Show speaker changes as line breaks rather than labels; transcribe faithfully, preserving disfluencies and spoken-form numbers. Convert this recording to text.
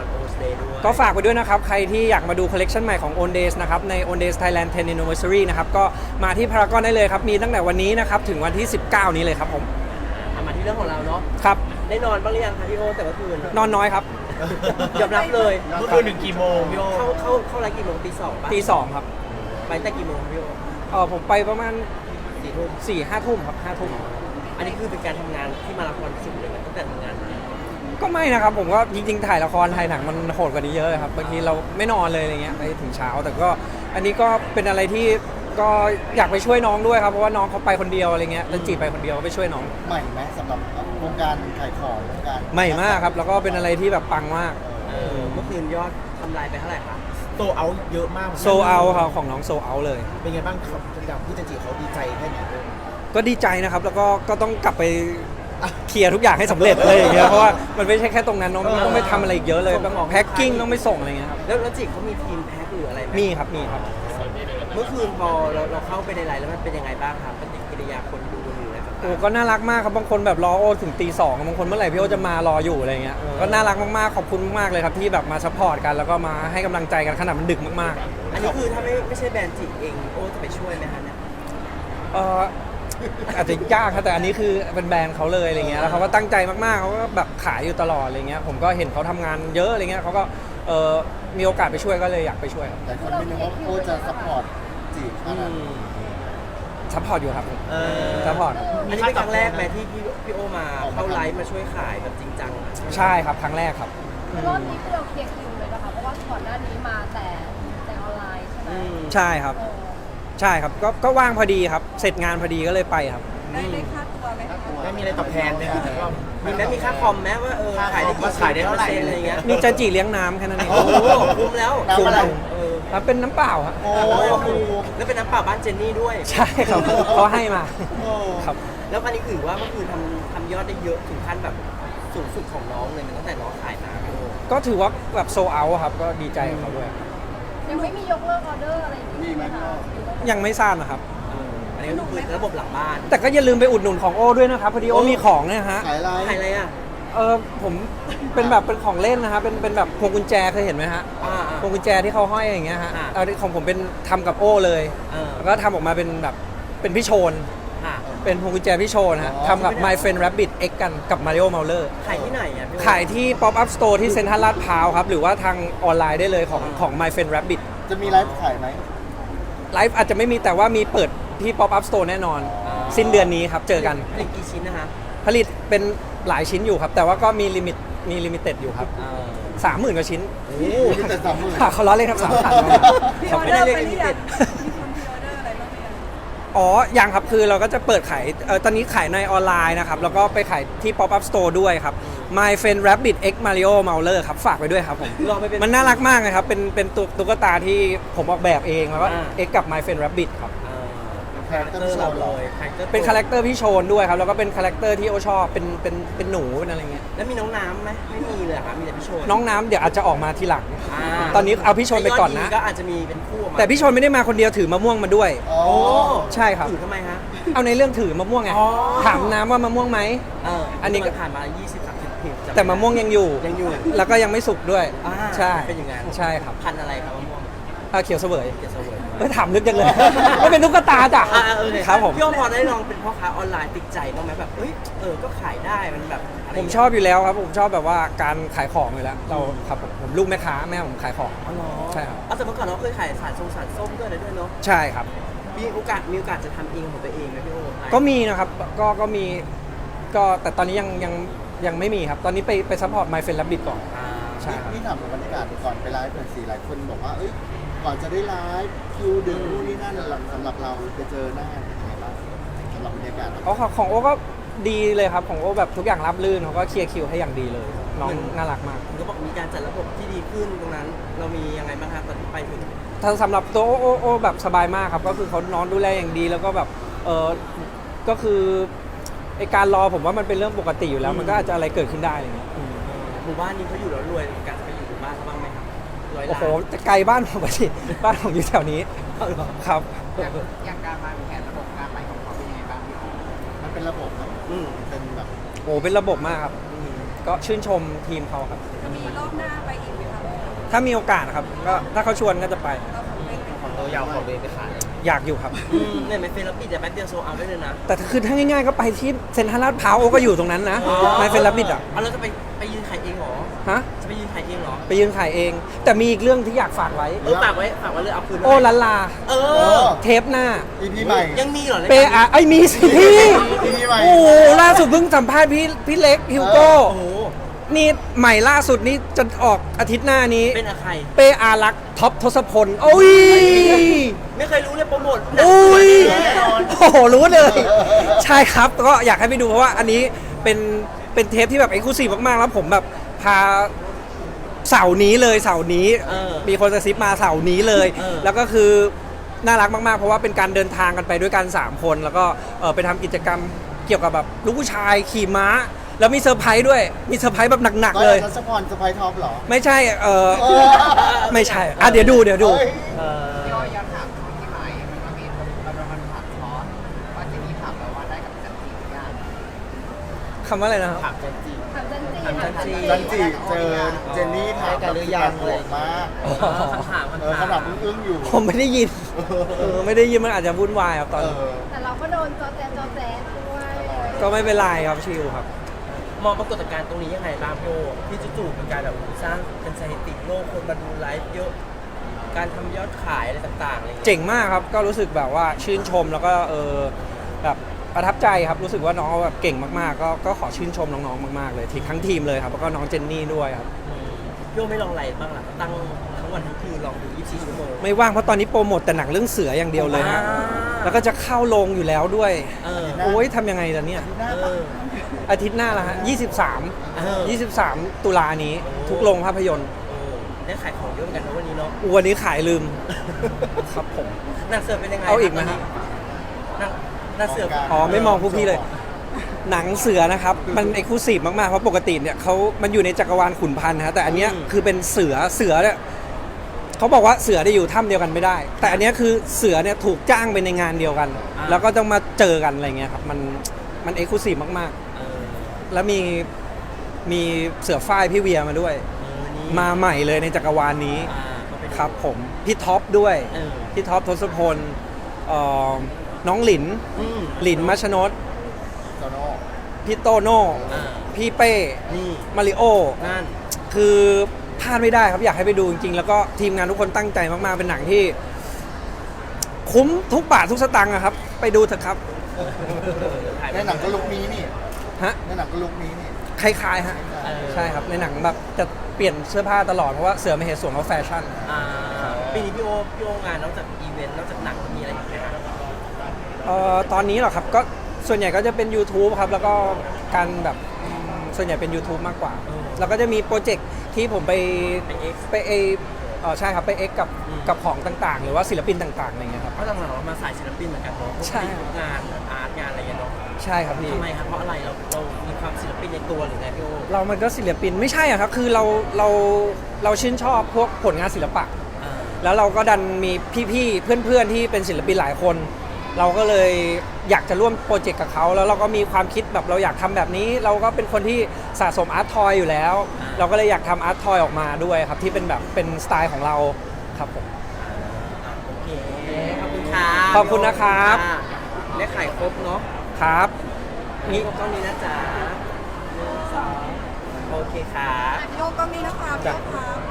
อน Own Day ด้วย
ก็ฝากไปด้วยนะครับใครที่อยากมาดูคอลเลกชันใหม่ของ Own Days นะครับใน Own Days Thailand เท็น Anniversary นะครับก็มาที่พารากอนได้เลยครับมีตั้งแต่วันนี้นะครับถึงวันที่สิบเก้านี้เลยครับผม
อ่ะมาที่เรื่องของเราเนาะ
ครับ
ได้นอนบ้างหรือยังคะพี่โอแต่เมื่อคืน
นอนน้อยครับ
ยอมรับเลย
เมื่อคืนถึงกี่โมงพี่โอ
เข้าเข้าเข้าไลฟ์กี่โมงตีสองป่ะ
ตีสองครับ
ไปตั้งแต่กี่โมงพี่โอ
เออผมไปประมาณ
สี่ทุ่ม
สี่ห้าทุ่มครับห้าทุ่ม
อันนี้คือเป็นการทำงานที่มาราธอนสุดเลยไหมตั้งแต่ทำงานมา
ก็ไม่นะครับผมก็จริงๆถ่ายละครถ่ายหนังมันโหดกว่านี้เยอะครับบางทีเราไม่นอนเลยอะไรเงี้ยไปถึงเช้าแต่ก็อันนี้ก็เป็นอะไรที่ก็อยากไปช่วยน้องด้วยครับเพราะว่าน้องเขาไปคนเดียวอะไรเงี้ยแล้วจีไปคนเดียวก็ไปช่วยน้อง
ใหม่ไหมสำหรับวงการขายของวงการ
ใหม่มากครับแล้วก็เป็นอะไรที่แบบปังมาก
เออเมื่อคืนยอดทำลายไปเท่าไหร่คะ
โตเอาเยอะมาก
โซเอาครับของน้องโซเอาเลย
เป็นไงบ้างครับกับพี่จันจิเขาดีใจแค่ไหนด้วย
ก็ดีใจนะครับแล้วก็ก็ต้องกลับไปเคลียร์ทุกอย่างให้สำเร็จอะไรอย่างเงี้ยเพราะว่ามันไม่ใช่แค่ตรงนั้นน้องต้องไปทำอะไรอีกเยอะเลยต้องแพ็คกิ้งต้องไปส่งอะไรเงี้ยครับ
แล้วแล้วจิเขามีทีมแพ็คหรืออะไรไหม
มีครับมีครับ
เมื่อคืนพอเราเราเข้าไปในไลน์แล้วมันเป็นยังไงบ้างครับปฏิกิริยาคนดูหรืออะไรต่างๆ
โอ้ก็น่ารักมากครับบางคนแบบรอโอถึงตีสองบางคนเมื่อไหร่พี่โอจะมารออยู่อะไรเงี้ยก็น่ารักมากๆขอบคุณมากๆเลยครับที่แบบมาซัพพอร์ตกันแล้วก็มาให้กำลังใจกันขนาดมันดึกมาก
อันนี้คือถ้าไม่ไม่ใช่แบรนด์จิเองโอ้จะไปช่วยไหมคะเนี่ย
ๆเอออาจจะยากครับแต่อันนี้คือเป็นแบรนด์เขาเลยอะไรเงี้ยแล้วเขาก็ตั้งใจมากๆเขาก็แบบขายอยู่ตลอดอะไรเงี้ยผมก็เห็นเขาทำงานเยอะอะไรเงี้ยเขาก็เออมีโอกาสไปช่วยก็เลยอยากไปช่วยครับ
แต่คนไม่นึกว่าโอ้จะซัพพอร์ตจีบขนาดนั้น
ซัพพอร์ตอยู่ครับผม
เออ
ซัพพอร์ต
อันนี้เป็นครั้งแรกไหมที่พี่พี่โอมาเข้าไลฟ์มาช่วยขายแบบจริงจังอะ
ใช่ครับครั้งแรกครับ
รอบนี้คือเราเคลียร์คิวเลยนะคะเพราะว่าก่อนหน้านี้มาแต่แต่ออนไลน์ใช่ไหม
อืม
ใช่ครับ
เออ
ใช่ครับก็ก็ว่างพอดีครับเสร็จงานพอดีก็เลยไปครับ
ได้ได้ค่าตัวไหมคะ
ได้มีอะไรตอบแทนไหมครับก็
มีไหมมีค่าคอมไหมว่าเออขายได้กี่
ขายได้เท่าไหร่
ปอร์ซ็นต์อะไรอย่างเงี้ย
มีจันจีเลี้ยงน้ำแค่นั้นเอง
โอ้โหคุ้มแล้ว
น้ำอะไร
เออ
ครับเป็นน้ำเปล่าครับ
โอ้โห
แล้วเป็นน้ำเปล่าบ้านเจนนี่ด้วย
ใช่ครับเขาให้มาครับ
แล้วอันนี้ถือว่าเมื่อคืนทำทำยอดได้เยอะถึงขั้นแบบสูงสุดของน้องเลยมันตั้งแต่น้องขายมาพี่โอ
ก็ถือว่าแบบโซเอาครับก็ดีใจกับเขาด้วย
ยังไม่มียกเลิกออเดอร์อะไรอย่าง
มี
นี้
ไหม
ไหมคะ
ยังไม่ทราบนะครับ
เอออันนี้ก็คือระบบหลังบ้าน
แต่ก็อย่าลืมไปอุดหนุนของโอ้ด้วยนะครับพอดีโอ้มีของเนี่ยฮะ
ขายอะไร
ขายอะไรอ่ะ
เออผมเป็นแบบเป็นของเล่นนะครับเป็นเป็นแบบพวงกุญแจเคยเห็นไหมฮะ
อ่าอ่า
พวงกุญแจที่เขาห้อยอย่างเงี้ยฮะ
อ่า
เอาของผมเป็นทำกับโอ้เลย
เออ
แล้วก็ทำออกมาเป็นแบบเป็นพี่โชน
ค่ะ
เป็นพวงกุญแจพี่โชนฮะทำกับ My Friend Rabbit X กันกับ Mario Mauler
ขายที่ไหนอ่ะพี่โอ
ขายที่ Pop Up Store ที่เซ็นทรัลลาดพร้าวครับ หรือว่าทางออนไลน์ได้เลยของของ My Friend Rabbit
จะมีไลฟ์ขายไหม
ไลฟ์อาจจะไม่มีแต่ว่ามีเปิดที่ Pop Up Store แน่นอน สิ้นเดือนนี้ครับ เจอกัน
ผลิตกี่ชิ้นนะคะ
ผลิตเป็นหลายชิ้นอยู่ครับ แต่ว่าก็มีลิมิตมีลิมิเต็ดอยู่ครับ
เออ
สามหมื่นกว่าชิ้น
โอ้
มีแต่สามหมื่น
ค่ะเขาล้อเล่นครับสามพัน
มี
ค
อ
รับ
อเดอร์ไปหรือยังมีคนมีออเดอร์อะไรบ้างหรือยัง
อ๋อ ยังครับ คือเราก็จะเปิดขายเอ่อตอนนี้ขายในออนไลน์นะครับ แล้วก็ไปขายที่ Pop Up Store ด้วยครับ My Friend Rabbit X Mario Mauler ครับ ฝากไปด้วยครับผม
ลองไปเป็น
มันน่ารักมากเลยครับ เป็นเป็นตุ๊กตุ๊กตาที่ผมออกแบบเอง แล้วก็
อ่า
X กับ My Friend Rabbit ครับ
เออ
คาแรคเตอร์เราเหรอ
เป็นคาแรคเตอร์พี่โชนด้วยครับ แล้วก็เป็นคาแรคเตอร์ที่โอชอบ เป็นเป็นเป็นหนูเป็นอะไรเงี้ย
แล้วมีน้องน้ำไหมไม่มีเลยครับมีแต่พี่โชน
น้องน้ำเดี๋ยวอาจจะออกมาทีหลัง
า
ตอนนี้เอาพี่โชนไปก่อนนะ
ถ้ายดดีก็อาจจะมีเป็นคู่ออกมา
แต่พี่โชนไม่ได้มาคนเดียวถือมะม่วงมาด้วย
อ๋อ
โอ้
ใช่ครับ
ถือทำไมฮะ
เอาในเรื่องถือมะม่วงไง
อ๋อ
ถามน้ำว่ามะม่วงไหม
เออ
อั
อั
นนี้ก็
ผ่านมา ยี่สิบ สามสิบเพจจำ
แต่มะม่วงยังอยู่
ยังอยู่
แล้วก็ยังไม่สุกด้วย
อ่า
ใช่
เป็นอย่างนั้น
ใช่ครับ
พันธุ์อะไรครับมะม่วง
อ่าเขียวเสวย
เกสเวิร์ด
ไม่ถามลึกจังเลย ไม่เป็นตุ๊กตาจ้ะ
อ่าเออเนี่ย
ครับผม
พี่โอพอได้ลองเป็นพ่อค้าออนไลน์ติดใจบ้างไหมแบบเอ้ยเออก็ขายได้มันแบบะไร
ผมชอบอยู่แล้วครับ ผมชอบแบบว่าการขายของอยู่แล้ว เราครับผมผมลูกแม่ค้าแม่ผมขายของ
อ๋อเหรอ
ใช่ครับ
เอาแต่เมื่อก่อนเราเคยขายสารทรงสารส้มด้วยอะไรด้วยเนาะ
ใช่ครับ
มีโอกาสมีโอกาสจะทำเองของตัวเองไหมพี่โอ
ก็มีนะครับ ก็ก็มี ก็แต่ตอนนี้ยังยังยังไม่มีครับ ตอนนี้ไปไปซัพพอร์ต My Friend Rabbit ก่อน
อ่า
ใช่ครับ
นี่ถามถึงบรรยากาศก่อนไปไลฟ์หน่อยสิหลายคนบอกว่า เอ้ย ก่อนจะได้ไลฟ์คิวดึงนู่นนี่นั่นสำหรับเราไปเจอหน้าเป็นยังไงบ้างสำหรับบรรยากาศ
อ๋อของของโอก็ดีเลยครับ ของโอแบบทุกอย่างรับลื่นเขาก็เคลียร์คิวให้อย่างดีเลย น้องน่ารักมาก
คุณก็บอกมีการจัดระบบที่ดีขึ้นตรงนั้น เรามียังไงบ้างครับตอนที่ไปถึง
ถ้าสำหรับตัวโอโอโอแบบสบายมากครับ ก็คือเขานอนดูแลอย่างดีแล้วก็แบบเออก็คือไอการรอผมว่ามันเป็นเรื่องปกติอยู่แล้ว มันก็อาจจะอะไรเกิดขึ้นได้อะไรเงี้ยอืม
หมู่บ้านนี้เขาอยู่แล้วรวยมีการจะไปอยู่หมู่บ้านเขาบ้างไหมครับร้อย
โอ้
ล้า
โห
น
แต่ไกลบ้านผมไปสิบ้านผมอยู่แถวนี้ครับ
อย่างการวางแผนระบบการไปของเขาเป็นยังไงบ้างพี่อ๋อ
มันเป็นระบบครับ
อืม
เป็นแบบ
โอ้เป็นระบบมากครับอืมก็ชื่นชมทีมเขาครับ
จะมีรอบหน้าไปอีกไหม
ถ้ามีโอกาสนะครับก็ถ้าเขาชวนก็จะไป
ของเรายาวของเลยไปขาย
อยากอยู่ครับ
อืมเนี่ยไม่เฟรนแล้วปิดแต่แป๊บเดียวโซเอาได้เลยนะ
แต่คือถ้าง่ายๆก็ไปที่เซ็นทรัลลาดพร้าวก็อยู่ตรงนั้นนะไม่เป็นรับบิดอ่ะ
เอาแล้วจะไปไปยืนขายเองเหรอ
ฮะ
จะไปยืนขายเองเหรอ
ไปยืนขายเอง แต่มีอีกเรื่องที่อยากฝากไว้
เออฝากไว้ฝากไว้เลยเอาคืนไว้
โอ้ลันลา
เอ
เอ
อ
อ
เทปหน้า
อีพีใหม่
ยังมีเหรอ
เปอะไอยมีสิพี่
อีพีใหม่
โอ้โหล่าสุดเพิ่งสัมภาษณ์พี่พี่เล็กฮิวโก้
โอ้โห
นี่ใหม่ล่าสุดนี้จะออกอาทิตย์หน้านี้
เป็นอะใคร
เปอารักษ์ท็อปทศพลโอ้ย
ไม่เคยรู้เลยโปรโมทหนัง
โอ้ย
แน่นอน
โอ้โหรู้เลย ใช่ครับก็อยากให้ไปดูเพราะว่าอันนี้เป็นเป็นเทปที่แบบเอ็กซ์คลูซีฟมากๆแล้วผมแบบพาเสาร์นี้เลยเสาร์นี้
เออ
มีคนกระซิบมาเสาร์นี้เลย
เออ
แล้วก็คือน่ารักมากๆ เพราะว่าเป็นการเดินทางกันไปด้วยกันสามคนแล้วก็เออไปทำกิจกรรมเกี่ยวกับแบบลูกผู้ชายขี่ม้า แล้วมีเซอร์ไพรส์ด้วยมีเซอร์ไพรส์แบบหนักๆเลย
ทัศพรสไปท็อปเหรอ
ไม่ใช่เออ
เออ
ไม่ใช่อ่ะเดี๋ยวดูเดี๋ยวดู
เอ้ย
เออ
พี่โอย้อนถามช่วงที่ใหม่มันก็มีมันมันถามคอร์สว่าจะมีถามเราว่าได้กับจันทีหรือยัง
คำว่าอะไรนะครับ
ถามจันจี
ถามจันจี
ถามจันจี
จันจีเจอเจนนี่ถาม
ได้กันหรือยัง
บวกมาก
เออคำถาม
เออ
คำ
ขนา
ถา
ด
ม
อึ้งๆอยู่
ผมไม่ได้ยินเออไม่ได้ยินมันอาจจะวุ่นวายครับตอน
เอ
นี้
อ
แต่เราก็โดนจอแจจอแจด้วย
ก็ไม่เป็นไรครับชิลครับ
มองปรากฏการณ์ตรงนี้ยังไงบ้างพี่โอที่จู่ๆเป็นการแบบสร้างเป็นสถิติโลกคนมาดูไลฟ์เยอะ การทำยอดขายอะไรต่างๆอะไรอย่างเงี้ย
เจ๋งมากครับ ก็รู้สึกแบบว่าชื่นชมแล้วก็เออแบบประทับใจครับ รู้สึกว่าน้องแบบเก่งมากๆ ก็ก็ขอชื่นชมน้องๆ มากๆ เลยทีทั้งทีมเลยครับ แล้วก็น้องเจนนี่ด้วยครับ
อืมพี่โอไม่ลองอะไรบ้างล่ะตั้งทั้งวันทั้งคืนลองดูยี่สิบสี่ชั่วโมง
ไม่ว่างเพราะตอนนี้โปรโมทแต่หนังเรื่องเสืออย่างเดียวเลยฮะ
อ่า
แล้วก็จะเข้าโรงอยู่แล้วด้วย
เออ
โอ้ยทำยังไงล่ะเนี่ย
เออ
อาทิตย์หน้าละฮะยี่สิบสาม
เออ
ยี่สิบสามตุลานี้ทุกโรงภาพยนตร์
โอ้ได้ขายของเยอะเหมือนกันนะวันนี้เนาะ
วันนี้ขายลืม ครับผม
หนังเสือเป็นยังไง
เอาอีกไหมฮะ
หนังหนังเสือ
อ๋อไม่มองพวกพี่เลย หนังเสือนะครับมันเอกลูซีฟมากๆเพราะปกติเนี่ยเขามันอยู่ในจักรวาลขุนพันธ์นะฮะแต่อันเนี้ยคือเป็นเสือเสือเนี่ยเขาบอกว่าเสือได้อยู่ถ้ำเดียวกันไม่ได้ แต่อันเนี้ยคือเสือเนี่ยถูกจ้างไปในงานเดียวกัน แล้วก็ต้องมาเจอกันอะไรเงี้ยครับมันมันเอกลูซีฟมาก
เออ
ๆ แล้วมีมีเสือฝ้ายพี่เวียมาด้วย
เออนี่
มาใหม่เลยในจักรวาลนี้
อ่าก็ไปดู
ครับผมพี่ท็อปด้วย
เออ
พี่ท็อปทศพลเอ่อน้องหลิน
อืม
หลินมัชนด
โตโน่
พี่โตโน่
อ่า
พี่เป้
นี่
มาริโอ
นั่น
คือพลาดไม่ได้ครับอยากให้ไปดูจริงๆ แล้วก็ทีมงานทุกคนตั้งใจมากๆ เป็นหนังที่ คุ้มทุกบาททุกสตางค์อะครับ ไปดูเถอะครับ
ถ่าย
ในหนังก็ลุกนี้นี่
ฮะ
ในหนังก็ลุกนี้นี่
คล้ายๆฮะ
เออ
ใช่ครับในหนังแบบจะเปลี่ยนเสื้อผ้าตลอดเพราะว่าเสือไม่เหตุสวมเขาแฟชั่น
อ่าปีนี้พี่โอพี่โองานนอกจากอีเวนต์นอกจากหนังมีอะไรอีกไหมครับ
เอ่อตอนนี้เหรอครับก็ส่วนใหญ่ก็จะเป็น YouTube ครับ แล้วก็การแบบอืมส่วนใหญ่เป็น YouTube มากกว่า แล้วก็จะมีโปรเจกต์ที่ผมไป
ไปเอ็กซ์
ไปเอเออใช่ครับไปเอ็กกับ
อืม
กับของต่างๆ หรือว่าศิลปินต่างๆอะไรเงี้ยครับ
เพราะหลังๆเรามาสายศิลปินเหมือนกันเนาะพวก
ใช่
พวกงานอาร์ตงานอะไรอย่างเงี้ยเนาะ
ใช่ครับพี่
ทำไมครับเพราะอะไรเราเรามีความศิลปินในตัวหรือไงพี่โอ
เรามันก็ศิลปินไม่ใช่อะครับ คือเราเราเราชื่นชอบพวกผลงานศิลปะ
อ่า
แล้วเราก็ดันมีพี่ๆ เพื่อนๆ ที่เป็นศิลปินหลายคน เราก็เลยอยากจะร่วมโปรเจกต์กับเขา แล้วเราก็มีความคิดแบบเราอยากทำแบบนี้ เราก็เป็นคนที่สะสมอาร์ตทอยอยู่แล้ว เราก็เลยอยากทำอาร์ตทอยออกมาด้วยครับ ที่เป็นแบบเป็นสไตล์ของเราครับผม
โอเคขอบคุณครับ
ขอบคุณนะครับ
อ่าได้ขายครบเนาะ
ครับ
นี่ครบต้องนี้นะจ๊ะหนึ่งสองโอเคครับ
โยกก็มีนะคะพี่โยกครับ